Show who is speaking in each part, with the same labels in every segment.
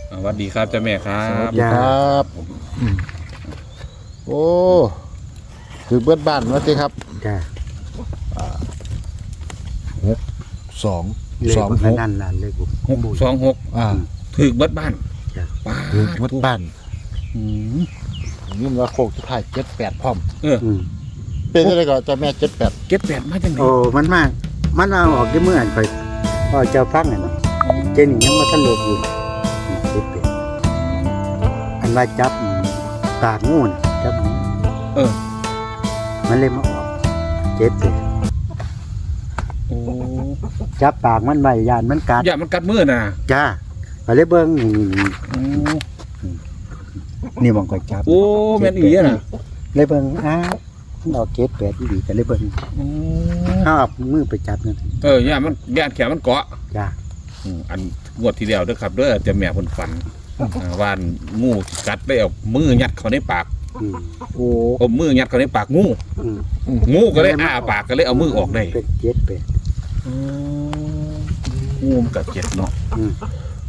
Speaker 1: สวัสดีครับเจ้าแม่ครั
Speaker 2: สวั
Speaker 1: บ
Speaker 2: สดีครับโอ้คือเบิดบ้านว่าติครับ
Speaker 3: จ้า
Speaker 2: สอง
Speaker 3: เลข
Speaker 2: สอง
Speaker 3: มัน
Speaker 2: หก
Speaker 3: นั่นล่ะเลขบุ
Speaker 1: 626
Speaker 2: อ่า
Speaker 1: ถึกเบิดบ้าน
Speaker 3: จ้า
Speaker 1: ป้า
Speaker 2: คือเบิดบ้าน
Speaker 1: อืม
Speaker 2: ยินว่าโคกที่ถ่าย78พร้อม
Speaker 1: เออ
Speaker 3: อืม
Speaker 2: เป็นอะไรก็เจ้าแม่78
Speaker 1: เก็บแปดมาจังไหน
Speaker 3: โอ้มันมากมันเอาออกได้เมื่ออันค่อยพ่อเจ้าฟังอ่ะเนาะเจนี่ยังบ่ทันลบอยู่เจ็บเป็นอันว่าจับปากงูน่ะจับงู
Speaker 1: เออ
Speaker 3: มันเลยมาออกเจ็บเป็น
Speaker 1: โอ้
Speaker 3: จับปากมันไว้ยานมันกัด
Speaker 1: อย่ามันกัดมือน่ะ
Speaker 3: จ้าก็เลยเบิ่งนี่
Speaker 1: โอ้
Speaker 3: นี่มองก็จับ
Speaker 1: โอ้แม่นอีอ่ะน่ะ
Speaker 3: เลยเบิ่งอ้าวมันออกเจ็บแปดอีหลีก็เลยเบิ่ง
Speaker 1: โอ้
Speaker 3: ข้าวมือไปจับนั่น
Speaker 1: อย่ามันแขนมันเกาะ
Speaker 3: จ้า
Speaker 1: อันงวดที่แล้วเด้อครับเด้อเจ้าแม่เพิ่นฝันว่านงูกัดได้เอามือยัดเข้าในปาก
Speaker 3: อืม
Speaker 2: โอ้
Speaker 1: เอามือยัดเข้าในปากงู
Speaker 3: อืม
Speaker 1: งูก็เลยอ้าปากก็เลยเอามือออกได้
Speaker 3: เป็นเจ็ดแปด
Speaker 1: งูมันกัดเจ็บเนาะ
Speaker 3: อืม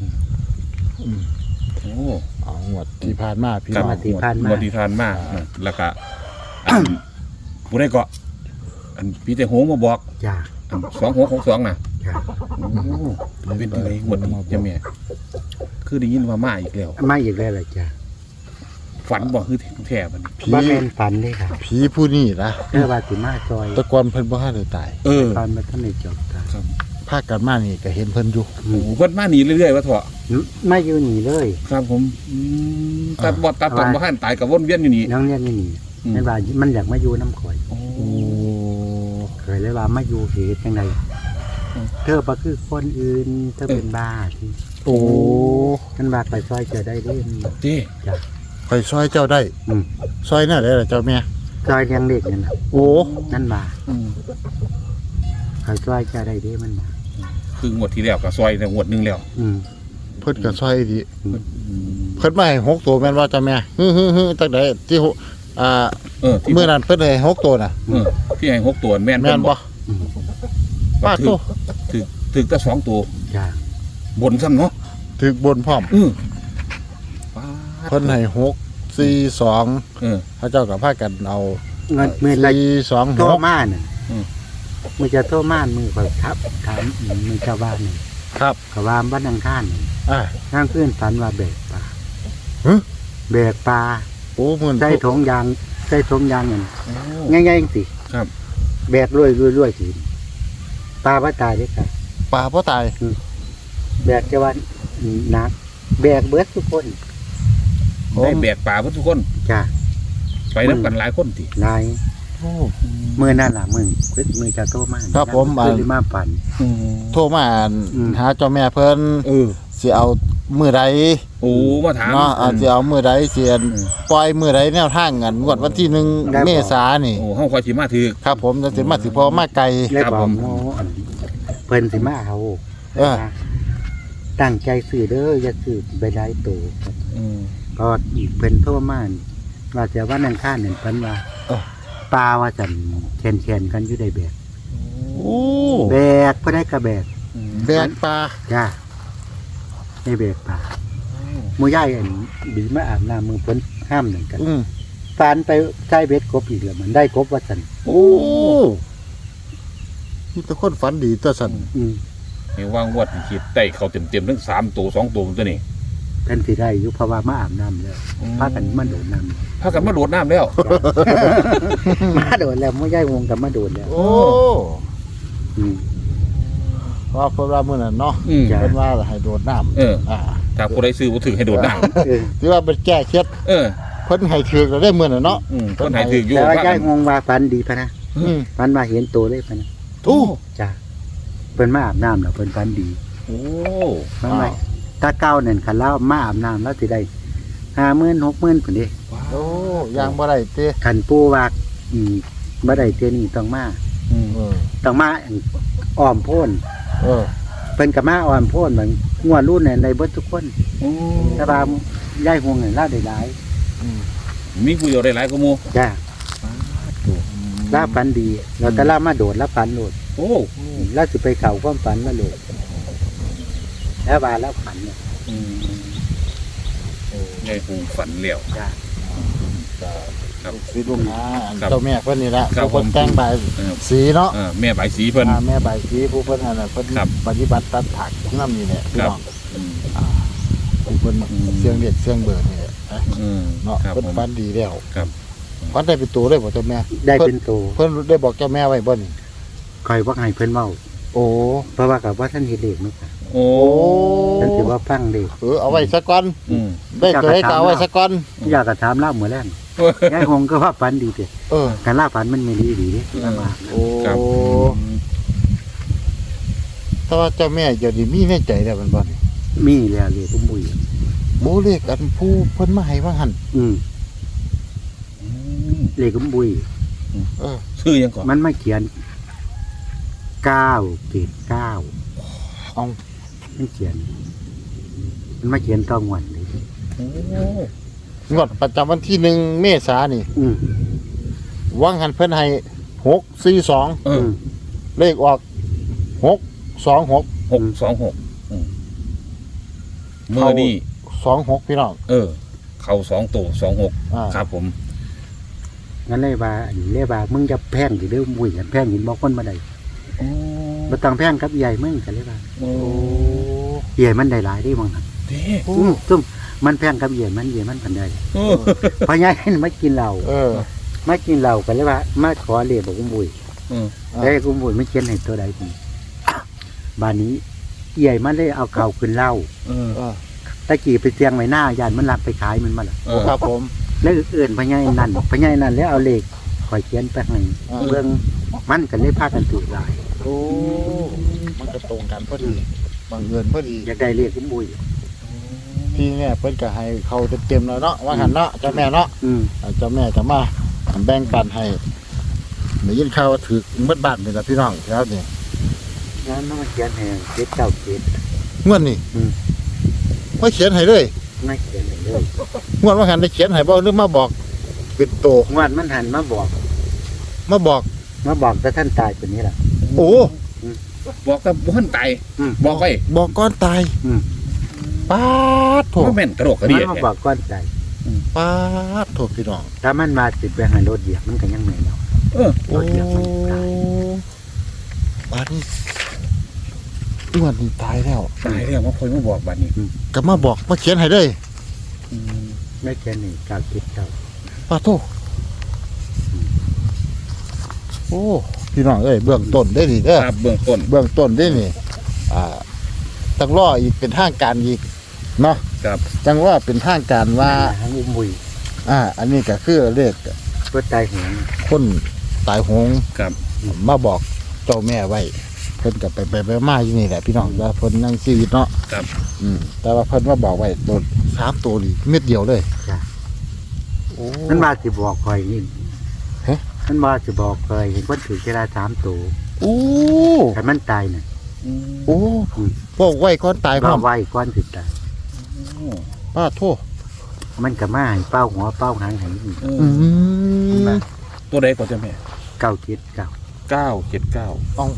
Speaker 1: โอ้
Speaker 2: เอางวดที่ผ่านมาพี่
Speaker 1: ครับ
Speaker 2: น้อง
Speaker 3: งวดที่ผ่านมา
Speaker 1: งวดที่ผ่านมาแล้วก็อันผู้ได้เกาะอันพี่แต่โหงมาบอก
Speaker 3: จ้า
Speaker 1: อัน2662น่ะ
Speaker 3: จ้า
Speaker 1: โอ้เป็นอะไรงวดนี้เจ้าแม่คือได้ยินว่ามาอีกแล้ว
Speaker 3: ไม่อีกแล้วล่ะจ้า
Speaker 1: ฝันบ่คือแท้บัดนี้
Speaker 3: บ้านแม่นฝันเลยค่ะ
Speaker 2: ผีผู้นี้นะ
Speaker 3: เพื่อว่าสิมาซอย
Speaker 2: แตะกอนเพิ่นบ่ทันได้ตาย
Speaker 1: เออ
Speaker 3: ตอนมาท่านในจบตาย
Speaker 1: ครับ
Speaker 2: ภาคกันมานี่ก็เห็นเพิ่นอยู่
Speaker 1: โอ้เพิ่นมาหนีเรื่อยๆว่าเถอะ
Speaker 3: ไม่อยู่หนีเลย
Speaker 1: ครับผมตัดบ่ตัดตอนบ่ทันตายก็วนเวียนอยู่นี่
Speaker 3: น้องเนี่ยนี่หนี
Speaker 1: อืม
Speaker 3: นั่นว่ามันอยากมาอยู่น้ำข่อย
Speaker 1: โอ้
Speaker 2: โอ้
Speaker 3: เคยเลยว่ามาอยู่เหตุจังไดเธอบ่คือคนอื่นเธอเป็นบ้าที่
Speaker 2: โอ้
Speaker 3: นั่นว่าไปซอยเจอได้เด้น
Speaker 1: เจ้
Speaker 3: จ้า
Speaker 2: ไปซอยเจ้าได้
Speaker 3: อืม
Speaker 2: ซอยน่ะได้ล่ะเจ้าแม่
Speaker 3: ซอยเลี้ยงเด็กนั่นน่ะ
Speaker 2: โอ้
Speaker 3: นั่นว่า
Speaker 1: อืม
Speaker 3: เขาซอยเจอได้เด้มันว่า
Speaker 1: คืองวดที่แล้วก็ซอยแต่งวดหนึงแล้ว
Speaker 3: อืม
Speaker 2: เพิ่นก็ซอยดีเพิ่นมาให้6ตัวแม่นว่าเจ้าแม่ฮึๆๆตั้งแต่ที่
Speaker 1: ที่
Speaker 2: มื้อนั้นเพิ่นให้6ตัวน่ะ
Speaker 1: ที่ให้6ตัวแม่น
Speaker 2: แม่นบ่
Speaker 3: อืม
Speaker 2: ป้าโต
Speaker 1: ถึกแต่2ตัว
Speaker 3: จ้า
Speaker 1: บนซ้ำเนาะ
Speaker 2: ถึกบนพร้อม
Speaker 1: ป้า
Speaker 2: เพิ่นให้6 4 2
Speaker 1: เออ
Speaker 2: พระเจ้าก็พากันเอา
Speaker 3: เงินมือละ
Speaker 2: 4 2
Speaker 3: โทร
Speaker 2: 6
Speaker 3: มาน่ะ
Speaker 1: อืม
Speaker 3: มือจะโทรมามือข่อยทับถามมือชาวบ้านนี่
Speaker 2: ครับ
Speaker 3: เขาว่าบ้านอังคารนี่
Speaker 2: อ่า
Speaker 3: ข้างขึ้นฝันว่าแบกปลา
Speaker 2: ฮะ
Speaker 3: แบกปลา
Speaker 2: โอ้มื้อ
Speaker 3: ใส่ถุงยางใส่ถุงยางเงิน
Speaker 1: โอ้
Speaker 3: ง่ายๆสิ
Speaker 1: ครับ
Speaker 3: แบกรวยสิปลาบ่ตายเด้อค่ะ
Speaker 2: ปลาบ่ตาย
Speaker 3: แบกจะว่าหนักแบกเบิดทุกคน
Speaker 1: ได้แบกป่าเพิ่นทุกคน
Speaker 3: จ้า
Speaker 1: ไปนํกันหลายคนติ
Speaker 3: นาย
Speaker 2: โอ้
Speaker 3: มือนั่นล่ะมือจะโทรมา
Speaker 2: ครับผม
Speaker 3: เพิ่นสิมาฝัน
Speaker 2: โทรมาอ่าน
Speaker 3: อืม
Speaker 2: หาเจ้าแม่เพิ่น
Speaker 1: เออ
Speaker 2: สิเอามื้อใด
Speaker 1: โอ้มาถาม
Speaker 2: เนาะสิเอามื้อใดสิอัน
Speaker 1: อืม
Speaker 2: ปล่อยมื้อใดแนวทางกันงวดวันที่1เมษายนนี่
Speaker 1: โอ้เฮาค่อยสิมาถึก
Speaker 2: ครับผมจะสิมาสิพอมาไกล
Speaker 3: เลย
Speaker 1: ครับ
Speaker 3: บอ
Speaker 1: ผ
Speaker 3: ก
Speaker 1: ม
Speaker 3: โมอันเพิ่นสิมาเอา
Speaker 2: เออ
Speaker 3: ตั้งใจซื้อเด้ออย่าซื้อไปหลายตัว
Speaker 1: อืม
Speaker 3: ก็เพิ่นโทรมาว่าจะว่านั่นข้านั่นเพิ่นว่า
Speaker 2: เออ
Speaker 3: ปลาว่าจันแคนกันอยู่ได้แบก
Speaker 2: โอ้
Speaker 3: แบกบ่ได้ก็แบก
Speaker 2: แบกปลา
Speaker 3: จ้าได้แบกปลาหมู่ยายอันบีมาอาบน้ำมือเพิ่นห้ามนั่นกัน
Speaker 2: อืม
Speaker 3: ฟานไปใช้เบ็ดกบอีกแล้วมันได้กบว่าซั่น
Speaker 2: โอ้มีแต่คนฝันดีตัวสั่น
Speaker 3: อืม
Speaker 1: เห็นว่างวดที่คิดได้เข้าเต็มๆทั้ง3ตัว2ตัวตัวนี้
Speaker 3: เพิ่นสิได้อยู่เพราะว่ามาอาบน้ำแล้วพากันมาโดดน้ำ
Speaker 1: พากันมาโดดน้ำแล้ว
Speaker 3: มาโดดแล้วหมู่ยายวงกับมาโดดแล้ว
Speaker 2: โอ้
Speaker 3: อืม
Speaker 2: ว่าเพิ่นว่ามื้อนั้นเนาะ
Speaker 1: อืม
Speaker 3: จ้ะ
Speaker 2: เพิ่นว่าให้โดดน้ำ
Speaker 1: เออ
Speaker 2: อ่า
Speaker 1: ถ้าผู้ใดซื้อบ่ถึงให้โดดน้
Speaker 3: เออ
Speaker 2: ที่ว่าเป็นแก้เคล็ด
Speaker 1: ำเออ
Speaker 2: เพิ่นให้ถือก็ได้มื้อนั้นเนาะ
Speaker 1: เพิ่นให้ถึกอยู่
Speaker 3: แต่ว่า
Speaker 1: พา
Speaker 3: ย้า
Speaker 1: กั
Speaker 3: ย
Speaker 1: น
Speaker 3: งงว่าฝันดีพะนะ
Speaker 2: อืม
Speaker 3: ฝันว่าเห็นตัวเลยพะนะ
Speaker 2: โอ้
Speaker 3: จ้าเพิ่นมาอาบน้ำแล้วเพิ่นฝันดี
Speaker 1: โอ้
Speaker 3: ฝันว่าตาเก้านั่นคันแล้วมาอาบน้ำแล้วสิได้50,000 60,000พุ่นเด้
Speaker 2: โอ้ยังบ่ได้ติ
Speaker 3: คันปู่ว่าบ่ได้เทื่อนี้ต้องมา
Speaker 1: อืม
Speaker 2: เออ
Speaker 3: ต้องมาอ้อมโพ้น
Speaker 2: เออ
Speaker 3: เพิ่นก็มาอ้อมโพ้นเหมือนงัวรุ่นนั่นได้เบิดทุกคน
Speaker 1: โอ้
Speaker 3: แต่ว่าย้ายห่วงนั่นลาได้หลาย
Speaker 2: อืม
Speaker 1: มีผู้เดียวได้หลายกว่าหมู่
Speaker 3: จ้าลาฝันดีแล้วแต่ลามาโดดแล้วฝันโดด
Speaker 1: โอ้
Speaker 3: แล้วสิไปเข้าความฝันแล้วโดดแล้วว่าแล้วฝันเนี่ย
Speaker 1: อืมยายปูฝันแล้ว
Speaker 3: จ้า
Speaker 1: ครับ
Speaker 2: สิลูกหา
Speaker 1: ครับ
Speaker 2: เจ้าแม่เพิ่นนี่ละ
Speaker 1: ครับ
Speaker 2: ผู้เพิ่นแต่งบาย
Speaker 1: เออ
Speaker 2: สีเนาะ
Speaker 1: แม่ใบายสีเพิ่น
Speaker 2: แม่บายสีผู้เพิ่นนั่นน่ะเพิ่น
Speaker 1: ครับ
Speaker 2: ปฏิบัติตัดผักน้ำนี่แหละพี่
Speaker 1: ครับ
Speaker 2: น้อง
Speaker 1: อืม
Speaker 2: ผู้เพิ่นเสียงเด็ดเสียงเบิดนี่แหละนะ เนาะ
Speaker 1: ครับ
Speaker 2: เพิ่น
Speaker 1: ผม
Speaker 2: ฝันดีแล้ว
Speaker 1: ครับ
Speaker 2: ฝันได้เป็นตัวเลยบ่เจ้าแม่
Speaker 3: ได้เป็นตัว
Speaker 2: เพิ่นได้บอกเจ้าแม่ไว้บ่นี่
Speaker 3: คอยว่าให้เพิ่นเว้า
Speaker 2: โอ้
Speaker 3: เพราะว่ากับว่าท่านเฮ็ดเลขมั้งค่ะ
Speaker 1: โอ้
Speaker 3: ท่านสิว่าฟังเลข
Speaker 2: เอาไว้สักก่อน
Speaker 1: อืม
Speaker 2: ได้ตัวให้ก็เอาไว้สักก่อน
Speaker 3: อยากจะถามเล่าเหมือนแรงยายหงก็ว่าฝันดีเด้
Speaker 2: เออ
Speaker 3: การล่าฝันมันไม่ดีดีเด้ลำบาก
Speaker 2: โอ้
Speaker 1: ครับ
Speaker 2: แต่ว่าเจ้าแม่เดี๋ยวนี้มีในใจแล้วมันบ่นี่
Speaker 3: มีแล้วเลขปุ้มบุย
Speaker 2: บ่เลขอันผู้เพิ่นมาให้ว่าหั่น
Speaker 3: อืม
Speaker 1: อืม
Speaker 3: เลขปุ้มบุย
Speaker 2: เออ
Speaker 1: ชื่อยังก่อน
Speaker 3: มันมาเขียน9 เกรด9
Speaker 2: เอา
Speaker 3: มันเขียน มันมาเขียนต้องวันเลย
Speaker 1: โอ้
Speaker 2: งวดประจำวันที่1เมษายนนี่
Speaker 3: อืม
Speaker 2: วังหันเพิ่นให้642
Speaker 1: เออ
Speaker 2: เลขออก626
Speaker 1: 626เมื่อนี่
Speaker 2: 26พี่น้อง
Speaker 1: เข้า2ตัว26
Speaker 2: อ่า
Speaker 1: ครับผม
Speaker 3: งั้นเลยว่ามึงจะแพงสิเด้อบุยกันแพงหินบอกคนมาได้
Speaker 1: โอ้
Speaker 3: บ่ต้องแพงกับใหญ่มึงกันเลยว่า
Speaker 1: โอ้
Speaker 3: ใหญ่มันได้หลายได้มั้งครับ
Speaker 1: เด้
Speaker 2: โอ้
Speaker 3: ซุ่มมันแพงกับใหญ่มันกันได้
Speaker 1: โอ้
Speaker 3: เพราะใหญ่มากินเหล้า
Speaker 2: เออ
Speaker 3: มากินเหล้ากันเลยว่ามาขอเลขบอกกุ้มบุย
Speaker 1: เออ
Speaker 3: แล้วกุ้มบุยไม่เขียนให้ตัวใดทีบ้านนี้ใหญ่มันได้เอาเข่าขึ้นเหล้า
Speaker 1: เออ
Speaker 2: เออ
Speaker 3: ตะกี้ไปเตียงไว้หน้ายานมันรับไปขายมันมาละ
Speaker 1: เออ
Speaker 2: ครับผม
Speaker 3: แล้วอื่นพญายนั่นแล้วเอาเลขคอยเขียนไปให้
Speaker 2: อ่า
Speaker 3: เบื้องมันกันเลยพากันถูกหลาย
Speaker 2: โอ้มันก็ตรงกันพอดีบังเอิญพอดี
Speaker 3: อยากได้เลขกุ้มบุย
Speaker 2: พี่เนี่ยเพิ่นก็ให้เขาเต็มๆแล้วเนาะว่าหันเนาะเจ้าแม่เนาะ
Speaker 3: อืม
Speaker 2: เจ้าแม่จะมาแบ่งปันให้ได้ยินข่าวว่าถือเบิดบ้านนี่ล่ะพี่น้องแล้วนี่
Speaker 3: งั้นมันมาเขียนให้เจ็ดเก้าเจ็ด
Speaker 2: งวดนี้
Speaker 3: อืม
Speaker 2: มาเขียนให้เลย
Speaker 3: ไม่เขียนให้เลย
Speaker 2: งวดว่าหันได้เขียนให้บ่หรือมาบอกเป็นโต
Speaker 3: งวดมันหันมาบอก
Speaker 2: มาบอก
Speaker 3: แต่ท่านตายคนนี้แหละ
Speaker 2: โอ้
Speaker 1: บอกกับบ่ทันตาย
Speaker 3: อืม
Speaker 1: บอกไป
Speaker 2: บอกก่อนตาย
Speaker 3: อืม
Speaker 2: ป๊าดโถ
Speaker 1: บ่แม่นกระโดดกระเดี
Speaker 3: มั
Speaker 1: ย
Speaker 3: นมา
Speaker 1: แท้
Speaker 3: บอกก้อนใจ
Speaker 2: ป๊าดโถพี่น้อง
Speaker 3: ถ้ามันมาติดไปให้รถเหยียบมันก็ยังไม่เนาะ
Speaker 1: เออ
Speaker 2: โอ้
Speaker 3: รถเหยียบมันตาย
Speaker 2: บ้านนี้งวดนี้ตายแล้ว
Speaker 1: ตายแล้วมาคอยมาบอกบัดนี้
Speaker 2: ก็มาบอกมาเขียนให้เลย
Speaker 1: อืม
Speaker 3: ไม่แค่นี้กาคิดเก่า
Speaker 2: ป้าโทโอ้พี่น้องเอ้ยเบื้องต้นได้ดีเด้อ
Speaker 1: ครับเบื้องต้น
Speaker 2: เบื้องต้นได้นี่ต้องรออีกเป็นทางการอีกเนาะ
Speaker 1: ครับ
Speaker 2: จังว่าเป็นทางการว่า
Speaker 3: หางอุ้มบุย
Speaker 2: อันนี้ก็คือเลข
Speaker 3: เพื่อตายหัว
Speaker 2: คนตายโหง
Speaker 1: ครับ
Speaker 2: มาบอกเจ้าแม่ไว้เพิ่นกับไปมาอยู่นี่แหละพี่น้องว่าเพิ่นนั่งชีวิตเนาะ
Speaker 1: ครับ
Speaker 2: แต่ว่าเพิ่นมาบอกไว้โดน3ตัวนี่เม็ดเดียวเลย
Speaker 3: จ้ะ
Speaker 2: โอ้
Speaker 3: มันมาสิบอกคอยนี่
Speaker 2: ฮะ
Speaker 3: มันมาสิบอกคอยเห็นคนถือเวลา3ตัว
Speaker 2: โอ้
Speaker 3: แต่มันตายน่ะ
Speaker 1: อืม
Speaker 2: โอ้บอกไว้ก่อนตายพร้
Speaker 3: ว่า
Speaker 2: อม
Speaker 3: ไว้ก้อนสิตาย
Speaker 2: ป้าโทษ
Speaker 3: มันก็มาให้เป้าหัวเป้าหางให้อีก
Speaker 1: เออ
Speaker 2: อืม
Speaker 3: มา
Speaker 1: ตัวใดก่อนจ้ะแม่
Speaker 3: เก้าเจ็ดเก้า
Speaker 1: 979
Speaker 2: เอา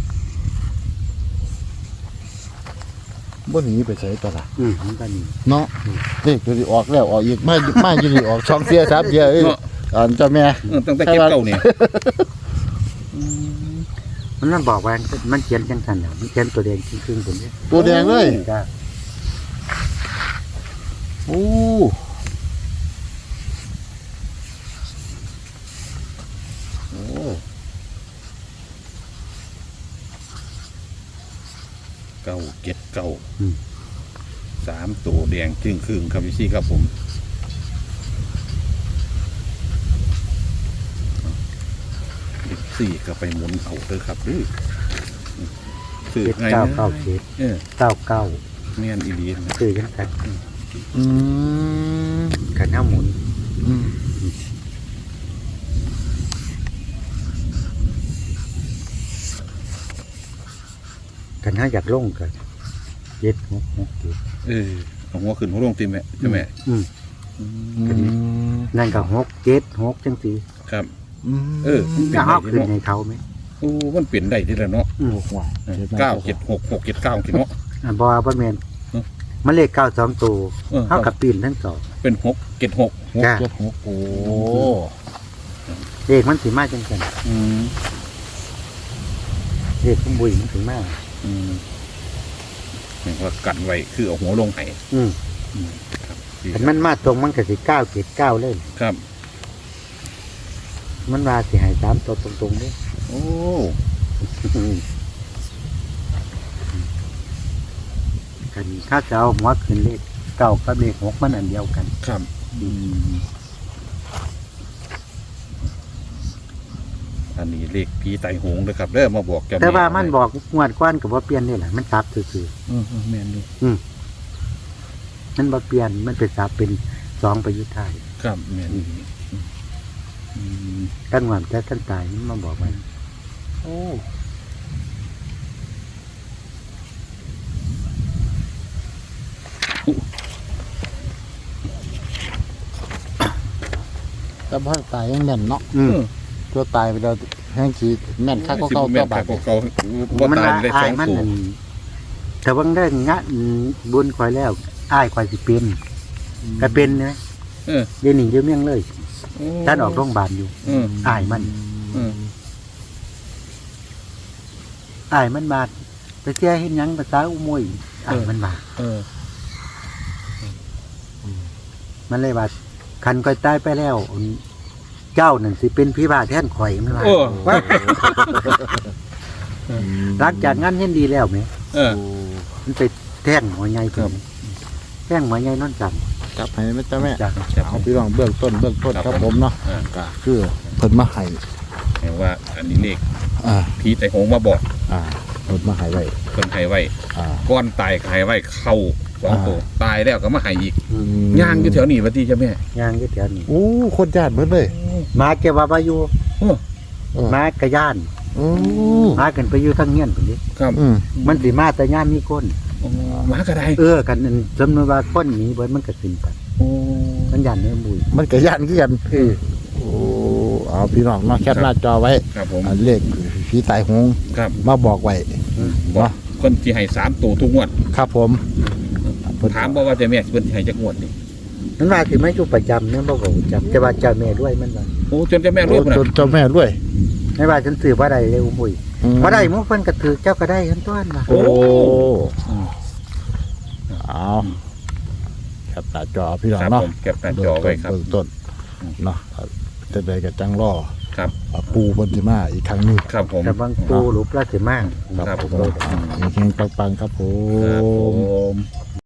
Speaker 2: บ่หนีไปใส่ตลาด
Speaker 3: มันก็นี่
Speaker 2: เนาะเลขตัวนี้ออกแล้วออกอีกมาอยู่นี่ออก2เสีย3เสียเอ้ย
Speaker 1: เนาะ
Speaker 2: อันเจ้าแม่
Speaker 1: ตั้งแต่เก็บเก่าเนี่ย
Speaker 3: มันนั่นบอกว่ามันเขียนจังสันน่ะมันเขียนตัวแดงครึ่งๆผมเนี่ย
Speaker 2: ตัวแดงเลย
Speaker 3: จ้ะ
Speaker 2: โอ้โอ้
Speaker 1: 979 3ตัวแดงจึงครึ่งครับพี่ซี่ครับผม4ก็ไปหมุนเอาเด้อครับดื้อสื่อ
Speaker 3: เจ็ด
Speaker 1: ไง
Speaker 3: เก้า
Speaker 1: นะ
Speaker 3: เก้าเจ็ด
Speaker 1: เออ
Speaker 3: เก้าเก้า
Speaker 1: แม่นอีหลีนะ
Speaker 3: คือจังสัน
Speaker 2: อืม
Speaker 3: กันห้าหมุน
Speaker 2: อืม
Speaker 3: กันห้าอยากลงกันเจ็ดหกเจ็ด
Speaker 1: เออเอาหัวขึ้นหัวลงตีแม่ใช่ไหม
Speaker 3: อืม
Speaker 2: อืม
Speaker 3: นั่นก็6 7 6จังสี
Speaker 1: ครับ
Speaker 2: เออ
Speaker 3: จะเอาขึ้นให้เขาไหม
Speaker 1: โอ้มันเปลี่ยนได้ทีละเนาะ
Speaker 3: อืม
Speaker 2: โอ้โห
Speaker 1: 976 679กิเนาะ
Speaker 3: บ่แม่น
Speaker 1: อืม
Speaker 3: มันเลข9 2ตัว
Speaker 1: เออ
Speaker 3: เท่ากับปีนทั้งสอง
Speaker 1: โเป็น6 7 6
Speaker 2: 6
Speaker 3: จ้ะ
Speaker 2: 7 6โอ้
Speaker 3: เลขมันสิมาจังซั่น
Speaker 1: อืม
Speaker 3: เลขของบุญมันสิมา
Speaker 1: อืมนี่ว่ากันไว้คือเอาหัวลงไห้
Speaker 3: อืม
Speaker 1: ครับ
Speaker 3: คันมันมาตรงมันก็สิ979เลย
Speaker 1: ครับ
Speaker 3: มันว่าสิให้3ตัวตรงๆเด้
Speaker 1: โอ้
Speaker 3: กันถ้าจะเอาหัวขึ้นเลข9กับเลข6มันอันเดียวกัน
Speaker 1: ครับอืมอันนี้เลขผีไตหงเลยครับเด้อมาบอกเจ้า
Speaker 3: แต่ว่า
Speaker 1: แ
Speaker 3: มันบอกงวดก้อนก็บ่เปลี่ยนนี่แหละมันซับซื่อ
Speaker 1: แม่นดู
Speaker 3: ๆมันบ่เปลี่ยนมันเป็นซับเป็น2ประยุทธ์ไทย
Speaker 1: ครับแม่นอืม
Speaker 3: ตั้งหวานแต่ท่านตายมันมาบอกมัน
Speaker 1: โอ้
Speaker 2: แต่พ่อตายยังแม่นเนาะ
Speaker 3: อืม
Speaker 2: ตัวตายไปแล้วแห้งสีแม่นคักก็เก่า
Speaker 1: แม่
Speaker 2: ตัวน บา
Speaker 1: คั
Speaker 2: ด
Speaker 1: กก็เก่าว่า
Speaker 3: มัน
Speaker 1: ตาย
Speaker 3: ว่า
Speaker 1: ได้
Speaker 3: อ้า
Speaker 1: ส
Speaker 3: ย
Speaker 1: อง
Speaker 3: มัน
Speaker 1: ตัว
Speaker 3: นั่นแต่ว่าได้งะบุญคอยแล้วอ้ายคอยสิเป็นก็เป็นนะ
Speaker 1: เออ
Speaker 3: เดี๋ยวนี้อยู่เมียงเลย
Speaker 1: โอ้
Speaker 3: ท่านออกโรงพยาบาลอยู่
Speaker 1: เออ
Speaker 3: อ้ายมัน
Speaker 1: เออ
Speaker 3: อ้ายมันบาดไปเสียเฮ็ดหยังภาษาอุโมยอ้ายมันบาด
Speaker 1: เออ
Speaker 3: มันเลยว่าคันคอยตายไปแล้ว เจ้านั่นสิเป็นพี่บาแทนข่อยมันว่า
Speaker 1: โอ้
Speaker 3: หลังจากงานเห็นดีแล้วไหม
Speaker 1: เออ
Speaker 3: มันไปแท่งหัวใหญ่
Speaker 1: ครับ
Speaker 3: แท่งหัวใหญ่นอนจันทร์
Speaker 2: จับให้แม่จ้าแม่
Speaker 3: จ้ะ
Speaker 2: เอาพี่น้องเบื้องต้นครับผมเนาะ
Speaker 1: อ่า
Speaker 2: ก็คือเพิ่นมาให้
Speaker 1: แปลว่าอันนี้เลข
Speaker 2: อ่า
Speaker 1: ผีไตหงมาบอก
Speaker 2: เพิ่นมาให้ไว้
Speaker 1: เพิ่นให้ไว้
Speaker 2: อ่า
Speaker 1: ก้อนตายก็ให้ไว้เข้าสองตัว
Speaker 2: อ่า
Speaker 1: ตายแล้วก็มาให้อีก
Speaker 3: อืม
Speaker 1: ย่างอยู่แถวนี้วัดดีจ้ะแม่
Speaker 3: ย่างอยู่แถวนี้
Speaker 2: โอ้คนญาติเบิดเลย
Speaker 3: หมาเก็บว่าอยู่
Speaker 1: โอ้
Speaker 2: เออ
Speaker 3: หมากระย่าน
Speaker 2: โอ้
Speaker 3: หมากันไปอยู่ทั้งเงี้ยนพุ่นดิ
Speaker 1: ครับ
Speaker 2: อืม
Speaker 3: มันสิมาแต่ย่ามมีคน
Speaker 1: โอ้หมากระได
Speaker 3: กันอันสำนวนว่าคนหนีเบิดมันก็ขึ้นกัน
Speaker 1: โอ้
Speaker 3: มันย่านเนื้อมุย
Speaker 2: มันก็ญาติคือกันโอ้เอาพี่น้องเนาะแคปหน้าจอไว้
Speaker 1: ครับผม
Speaker 2: อันเลขผีตายโหง
Speaker 1: ครับ
Speaker 2: มาบอกไว้
Speaker 1: บอกคนที่ให้3ตัวทุกงวด
Speaker 2: ครับผมเพิ่น
Speaker 1: ถามบอกว่าจะแม่เพิ่นสิให้จักงวดนี่
Speaker 3: มันว่าสิไม่อยู่ประจำเนี่ยบ่ก็ประจำแต่ว่าเจ้าแม่ด้วยมันว่า
Speaker 1: โอ้จนจะแม่รู้
Speaker 2: โอ้
Speaker 1: พุ่น
Speaker 2: จ
Speaker 1: น่ะ
Speaker 2: นเจ้าแม่ด้วย
Speaker 3: ไม่ว่าฉันซื้อบ่ได้เลยมุย
Speaker 2: อืม
Speaker 3: บ่ได้หมุกเพิ่นก็ถือเจ้าก็ได้ทั้งต้นว่า
Speaker 2: โอ้
Speaker 1: อืม
Speaker 2: เอาแคปหน้าจอพี่น้อง
Speaker 1: ครับ
Speaker 2: เนาะ
Speaker 1: ผมเก็บหน้าจอไว้ครับ
Speaker 2: เบื้องต้นเนาะจะได้กับจังล่อ
Speaker 1: ครับ
Speaker 2: ปูบนติมาอีกครั้งหนึง
Speaker 1: ครับผม
Speaker 3: แต่บางปูหลุปลาสิมาก
Speaker 1: ครับผม
Speaker 2: เฮงๆปังๆครับผ
Speaker 1: ครับผม ม